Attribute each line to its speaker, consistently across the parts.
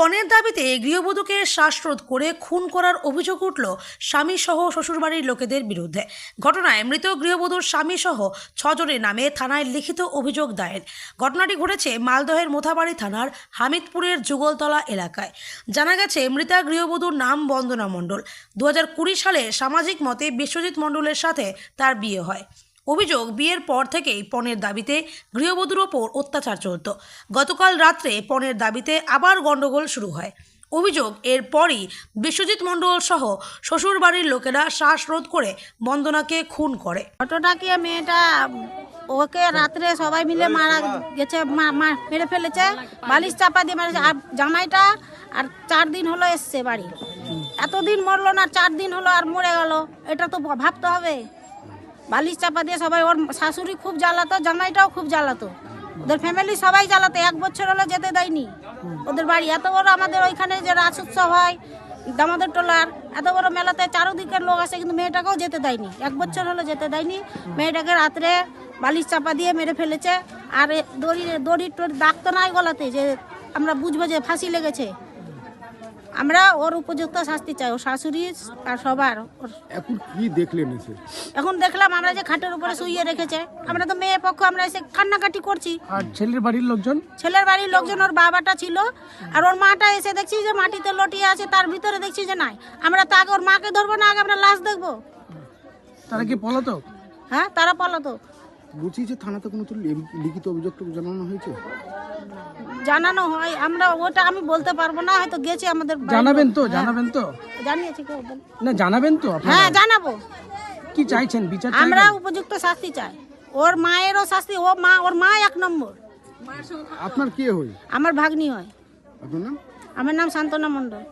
Speaker 1: পণের দাবিতে গৃহবধূকে শ্বাসরোধ করে খুন করার অভিযোগ উঠল স্বামীসহ শ্বশুরবাড়ির লোকেদের বিরুদ্ধে। ঘটনায় মৃত গৃহবধূর স্বামীসহ 6 জনের নামে থানায় লিখিত অভিযোগ দায়ের। ঘটনাটি ঘটেছে মালদহের মোথাবাড়ি থানার হামিদপুরের যুগলতলা এলাকায়। জানা গেছে, মৃতা গৃহবধূর নাম বন্দনা মণ্ডল। 2020 সালে সামাজিক মতে বিশ্বজিৎ মণ্ডলের সাথে তার বিয়ে হয়। অভিযোগ, বিয়ের পর থেকেই পণের দাবিতে গৃহবধূর ওপর অত্যাচার চলত। গতকাল রাত্রে পণের দাবিতে আবার গন্ডগোল শুরু হয়। অভিযোগ, এরপরই বিশ্বজিৎ মণ্ডল সহ শ্বশুরবাড়ির লোকেরা শ্বাসরোধ করে বন্দনাকে খুন করে।
Speaker 2: ঘটনাকে মেয়েটা ওকে রাত্রে সবাই মিলে মারা গেছে, মেরে ফেলেছে, বালিশ চাপা দিয়ে মেরেছে। আর জামাইটা আর 4 দিন হলো এসছে বাড়ি, এতদিন মরলো না, 4 দিন হলো আর মরে গেল। এটা তো ভাবতে হবে। বালিশ চাপা দিয়ে সবাই, ওর শাশুড়ি খুব জ্বালাতো, জামাইটাও খুব জ্বালাতো, ওদের ফ্যামিলি সবাই জ্বালাতো। 1 বছর হলো যেতে দেয়নি ওদের বাড়ি। এত বড় আমাদের ওইখানে যে রাস উৎসব হয় দামোদর টোলার, এত বড় মেলাতে চারদিকের লোক আসে, কিন্তু মেয়েটাকেও যেতে দেয়নি। 1 বছর হলো যেতে দেয়নি। মেয়েটাকে রাত্রে বালিশ চাপা দিয়ে মেরে ফেলেছে। আর দড়ি দাগ তো নাই গলাতে যে আমরা বুঝবো যে ফাঁসি লেগেছে। আমরা ওর উপযুক্ত শাস্তি চাই, ওর শাশুড়ি আর সবার।
Speaker 3: এখন কি দেখলেন এসে?
Speaker 2: এখন দেখলাম আমরা যে খাটের উপরে শুইয়ে রেখেছে। আমরা তো মেয়ে পক্ষ, আমরা এসে কান্নাকাটি করছি।
Speaker 3: আর ছেলের বাড়ির লোকজন?
Speaker 2: ছেলের বাড়ির লোকজন, ওর বাবাটা ছিল আর ওর মাটা এসে দেখছি যে মাটিতে লটিয়ে আছে, তার ভিতরে দেখছি যে নাই। আমরা তো আগে ওর মাকে ধরবো না, আগে আমরা লাশ দেখবো।
Speaker 3: তারা কি পলাতক?
Speaker 2: হ্যাঁ, তারা পলাতক।
Speaker 3: বলছি যে থানাতে কোনো তো লিখিত অভিযোগ জানানো হয়েছে?
Speaker 2: জানানো হয়, আমরা ওটা আমি বলতে পারবো না, হয়তো গেছে আমাদের বাড়ির
Speaker 3: জানাবেন
Speaker 2: লোক।
Speaker 3: তো?
Speaker 2: হ্যাঁ,
Speaker 3: জানাবেন তো?
Speaker 2: জানিয়েছি কেউ
Speaker 3: না, জানাবেন তো আপনারা?
Speaker 2: হ্যাঁ, জানাবো।
Speaker 3: কি চাইছেন? বিচার
Speaker 2: আমরা
Speaker 3: চাইছেন?
Speaker 2: উপযুক্ত শাস্তি চাই। ওর মায়েরও শাস্তি। ওর মা 1 নম্বর।
Speaker 3: আপনার কে হয়?
Speaker 2: আমার ভাগ্নি হয়।
Speaker 3: আপনার নাম?
Speaker 2: আমার নাম শান্তনা মণ্ডল।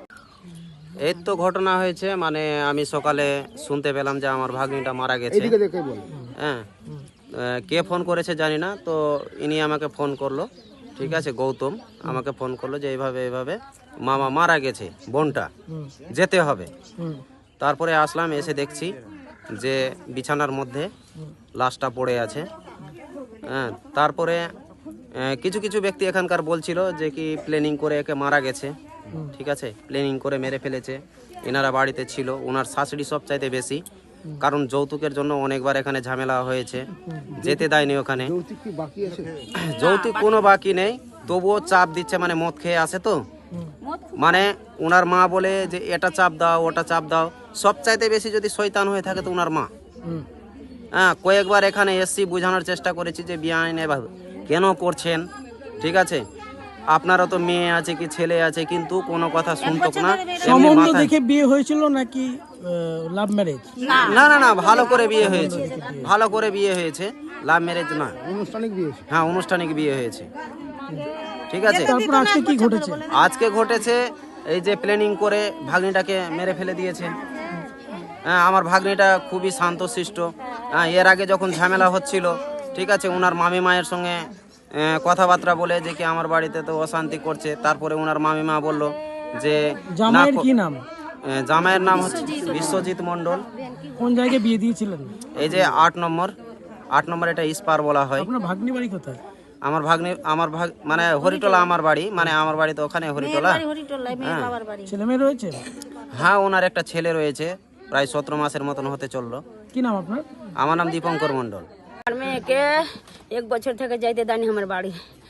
Speaker 4: এই তো ঘটনা হয়েছে, মানে আমি সকালে শুনতে পেলাম যে আমার ভাগ্নিটা মারা গেছে।
Speaker 3: এদিকে দেখে বল।
Speaker 4: হ্যাঁ, কে ফোন করেছে জানি না, তো ইনি আমাকে ফোন করলো। ঠিক আছে, গৌতম আমাকে ফোন করলো যে এইভাবে মামা মারা গেছে, বোনটা যেতে হবে। তারপরে আসলাম, এসে দেখছি যে বিছানার মধ্যে লাশটা পড়ে আছে। হ্যাঁ, তারপরে কিছু কিছু ব্যক্তি এখানকার বলছিল যে কি প্ল্যানিং করে একে মারা গেছে। ঠিক আছে, প্ল্যানিং করে মেরে ফেলেছে। এনারা বাড়িতে ছিল, ওনার শাশুড়ি সবচাইতে বেশি, কারণ যৌতুকের জন্য অনেকবার এখানে ঝামেলা হয়েছে, যেতে দেয়নি ওখানে।
Speaker 3: যৌতুক কি বাকি আছে?
Speaker 4: যৌতুক কোনো বাকি নেই, তবুও চাপ দিচ্ছে, মানে মদ খেয়ে আসে তো, মানে ওনার মা বলে যে এটা চাপ দাও, ওটা চাপ দাও। সবচাইতে বেশি যদি শয়তান হয়ে থাকে তো ওনার মা। হ্যাঁ, কয়েকবার এখানে এসছি, বোঝানোর চেষ্টা করেছি যে বিয়ে এভাবে কেন করছেন। ঠিক আছে, আপনারও তো মেয়ে আছে কি ছেলে আছে, কিন্তু কোনো কথা শুনতো না।
Speaker 5: সম্বন্ধ দেখে বিয়ে হয়েছিল নাকি লাভ ম্যারেজ?
Speaker 4: না না না, ভালো করে বিয়ে হয়েছে, ভালো করে বিয়ে হয়েছে, লাভ ম্যারেজ না।
Speaker 3: আনুষ্ঠানিক বিয়ে?
Speaker 4: হ্যাঁ, আনুষ্ঠানিক বিয়ে হয়েছে। ঠিক আছে,
Speaker 5: তারপর আজকে কি ঘটেছে?
Speaker 4: আজকে ঘটেছে এই যে প্ল্যানিং করে ভাগ্নিটাকে মেরে ফেলে দিয়েছে। হ্যাঁ, আমার ভাগ্নিটা খুবই শান্তশিষ্ট। হ্যাঁ, এর আগে যখন ঝামেলা হচ্ছিল, ঠিক আছে, ওনার মামি মায়ের সঙ্গে কথাবার্তা বলে যে কি আমার বাড়িতে তো অশান্তি করছে। তারপরে ওনার মামি মা বললো যে
Speaker 5: জামাইয়ের কি নাম?
Speaker 4: জামাইয়ের নাম হচ্ছে বিশ্বজিৎ মণ্ডল।
Speaker 5: কোন জায়গায় বিয়ে দিয়েছিলেন?
Speaker 4: এই যে 8 নম্বর, এটা ইস্পার বলা হয়।
Speaker 5: আপনার ভাগ্নি বাড়ি কোথায়?
Speaker 4: আমার ভাগ্নি, মানে হরিটোলা আমার বাড়ি, মানে আমার বাড়ি তো ওখানে হরিটোলা।
Speaker 5: ছেলে মেয়ে রয়েছে?
Speaker 4: হ্যাঁ, ওনার একটা ছেলে রয়েছে, প্রায় 17 মাসের মতন হতে চললো।
Speaker 5: কি নাম আপনার?
Speaker 4: আমার নাম দীপঙ্কর মণ্ডল।
Speaker 6: আর মেয়েকে 1 বছর থেকে যাইতে দেয়নি আমার বাড়ি।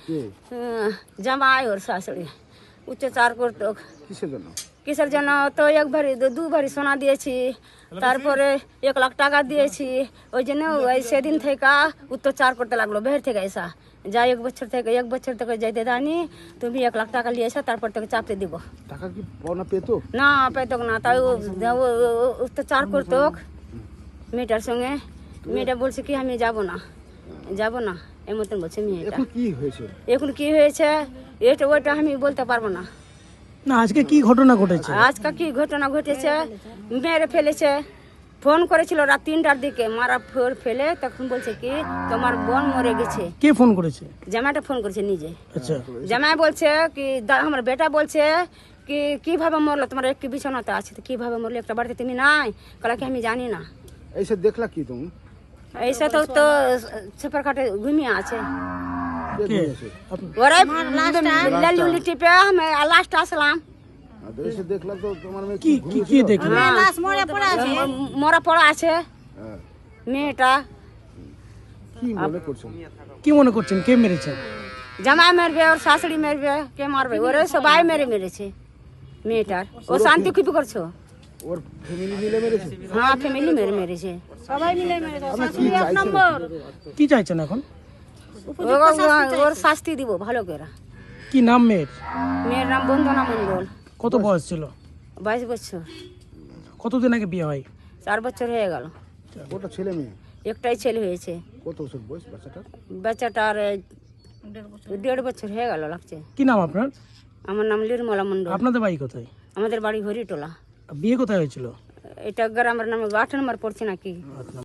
Speaker 6: জামাই ওর শাশুড়ি অত্যাচার করতো। কিসের জন্য? তো 1 ভরি 2 ভরি সোনা দিয়েছি, তারপরে 1 লাখ টাকা দিয়েছি। ওই জন্য সেদিন থেকে অত্যাচার করতে লাগলো। বের থেকে এসা যা 1 বছর থেকে যাইতে দেয়নি, তুমি 1 লাখ টাকা নিয়ে এসো, তারপর থেকে চাপতে দিব।
Speaker 3: টাকা কি পাওনা পেতো?
Speaker 6: না, পেতক না, তাই অত্যাচার করতো মেয়েটার সঙ্গে। মেয়েটা বলছে কি আমি যাব না, এমন বলছে মেয়েটা।
Speaker 3: এখন কি হয়েছে?
Speaker 6: এখন কি হয়েছে এটা ওইটা আমি বলতে পারবো না।
Speaker 5: না, আজকে কি ঘটনা ঘটেছে?
Speaker 6: আজকে কি ঘটনা ঘটেছে, মেরে ফেলেছে। ফোন করেছিল রাত 3টার দিকে, মারা ফেলে তখন বলছে কি তোমার বোন মরে গেছে।
Speaker 5: কে ফোন করেছে?
Speaker 6: জামাইটা ফোন করেছে নিজে।
Speaker 5: আচ্ছা,
Speaker 6: জামাই বলছে কি আমার বেটা বলছে কি কিভাবে মরলো, তোমার একটি বিছানাতে আছে, তো কিভাবে মরলো, একটা বাড়িতে তুমি নাই? কলা কি আমি জানি না।
Speaker 3: এইসব দেখলা কি তুমি?
Speaker 6: ऐसा तो सुपर खाटे घूमिया আছে।
Speaker 5: কে আপনি
Speaker 6: ওরাই লালি টিপে আমি লাস্ট আসলাম।
Speaker 3: এসে দেখলাম তো তোমার মেয়ে
Speaker 5: কি কি কি দেখলেন?
Speaker 2: লাশ মরে পড়ে আছে।
Speaker 6: মরা পড়া আছে মেয়েটা।
Speaker 3: কি মনে করছেন?
Speaker 5: কি মনে করছেন কে মেরেছে?
Speaker 6: জামাই মারবে, ওর শাশুড়ি মারবে, কে মারবে? ওরা সবাই মেরেছে মেয়েটার। ও শান্তি খুবই করছো।
Speaker 3: ওর ফ্যামিলি মিলে মেরেছে?
Speaker 6: হ্যাঁ, ফ্যামিলি মেরেছে।
Speaker 2: সবাই মিলে মেরেছে।
Speaker 3: আপনি কি
Speaker 2: শাশুড়ি এক
Speaker 3: চাইছেন?
Speaker 2: নম্বর।
Speaker 5: কি চাইছেন এখন?
Speaker 6: ওর শাস্তি দিব ভালো করে।
Speaker 5: কি নাম মেয়ের?
Speaker 6: মেয়ের নাম বন্দনা মণ্ডল,
Speaker 5: কত বয়স ছিল?
Speaker 6: 22 বছর।
Speaker 5: কতদিন আগে বিয়ে হয়?
Speaker 6: 4 বছর হয়ে গেল।
Speaker 3: ওটা ছেলে মেয়ে?
Speaker 6: একটাই ছেলে হয়েছে।
Speaker 3: কত বছর বয়স বাচ্চাটার?
Speaker 6: বাচ্চাটার 1.5 বছর হয়ে গেল লাগছে।
Speaker 5: কি নাম আপনার?
Speaker 6: আমার নাম নির্মলা মণ্ডল।
Speaker 5: আপনাদের বাড়ি কোথায়?
Speaker 6: আমাদের বাড়ি হরিটোলা।
Speaker 5: বিয়ে কোথায় হয়েছিল?
Speaker 6: এটা গ্রামের নামে 8 নম্বর পড়ছে নাকি।